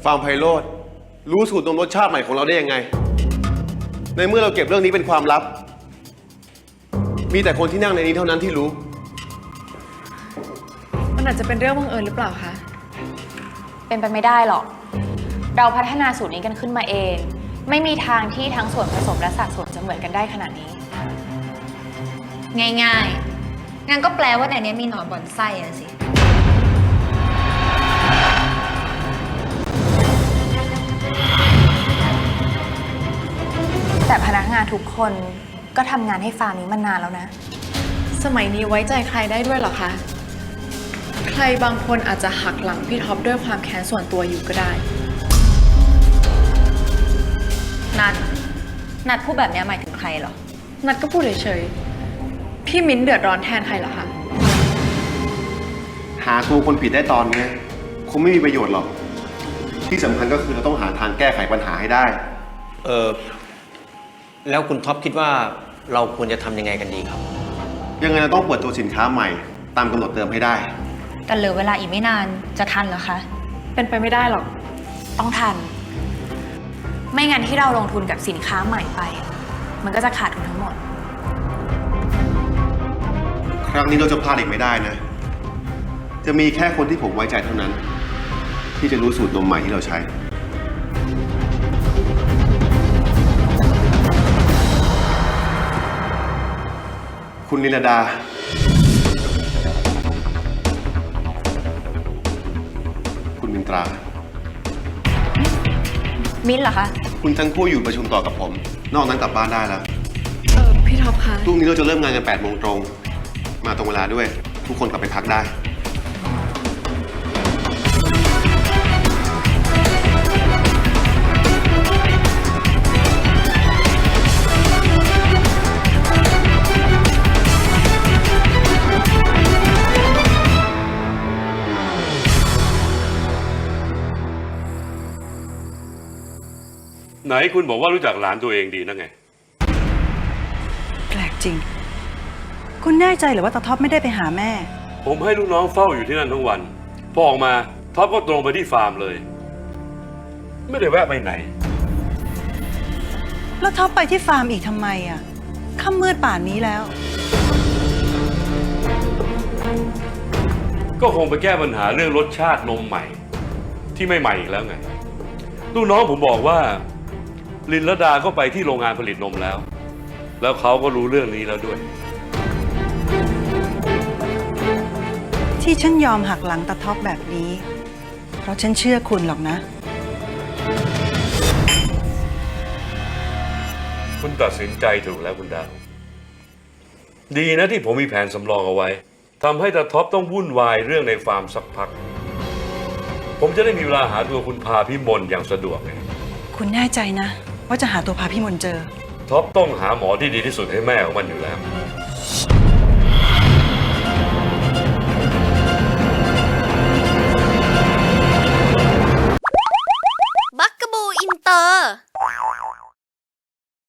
ฟาร์มไพโรจน์รู้สูตรนมรสชาติใหม่ของเราได้ยังไงในเมื่อเราเก็บเรื่องนี้เป็นความลับมีแต่คนที่นั่งในนี้เท่านั้นที่รู้มันอาจจะเป็นเรื่องบังเอิญหรือเปล่าคะเป็นไปไม่ได้หรอกเราพัฒนาสูตรนี้กันขึ้นมาเองไม่มีทางที่ทั้งส่วนผสมและสัดส่วนจะเหมือนกันได้ขนาดนี้ง่ายๆงั้นก็แปลว่าในนี้มีหนอนบ่อนไส้อะสิแต่พนักงานทุกคนก็ทำงานให้ฟาร์มนี้มานานแล้วนะสมัยนี้ไว้ใจใครได้ด้วยเหรอคะใครบางคนอาจจะหักหลังพี่ท็อปด้วยความแค้นส่วนตัวอยู่ก็ได้นัดพูดแบบนี้หมายถึงใครเหรอนัดก็พูดเฉยๆพี่มิ้นเดือดร้อนแทนใครเหรอคะหาตัวคนผิดได้ตอนนี้คงไม่มีประโยชน์หรอกที่สำคัญก็คือเราต้องหาทางแก้ไขปัญหาให้ได้แล้วคุณท็อปคิดว่าเราควรจะทำยังไงกันดีครับยังไงเราต้องเปิดตัวสินค้าใหม่ตามกำหนดเดิมให้ได้แต่เหลือเวลาอีกไม่นานจะทันเหรอคะเป็นไปไม่ได้หรอกต้องทันไม่งั้นที่เราลงทุนกับสินค้าใหม่ไปมันก็จะขาดทุนทั้งหมดครั้งนี้เราจะพลาดอีกไม่ได้นะจะมีแค่คนที่ผมไว้ใจเท่านั้นที่จะรู้สูตรนมใหม่ที่เราใช้คุณนิรดาคุณมินตรามิ้นเหรอคะคุณทั้งคู่อยู่ประชุมต่อกับผมนอกนั้นกลับบ้านได้แล้วพี่ท็อปคะพรุ่งนี้เราจะเริ่มงานกัน8 โมงตรงมาตรงเวลาด้วยทุกคนกลับไปพักได้ไหนคุณบอกว่ารู้จักหลานตัวเองดีนะไงแปลกจริงคุณแน่ใจหรือว่าตาท็อปไม่ได้ไปหาแม่ผมให้ลูกน้องเฝ้าอยู่ที่นั่นทั้งวันพอออกมาท็อปก็ตรงไปที่ฟาร์มเลยไม่ได้แวะไปไหนแล้วท็อปไปที่ฟาร์มอีกทำไมอ่ะค่ำมืดป่านนี้แล้วก็คงไปแก้ปัญหาเรื่องรสชาตินมใหม่ที่ไม่ใหม่อีกแล้วไงลูกน้องผมบอกว่าลินลดาก็ไปที่โรงงานผลิตนมแล้วเขาก็รู้เรื่องนี้แล้วด้วยที่ฉันยอมหักหลังตาท็อปแบบนี้เพราะฉันเชื่อคุณหรอกนะคุณตัดสินใจถูกแล้วคุณดาวดีนะที่ผมมีแผนสำรองเอาไว้ทำให้ตาท็อปต้องวุ่นวายเรื่องในฟาร์มสักพักผมจะได้มีเวลาหาตัวคุณพาพิมลอย่างสะดวกไงคุณแน่ใจนะว่าจะหาตัวพาพิมลเจอท็อปต้องหาหมอที่ดีที่สุดให้แม่ของมันอยู่แล้ว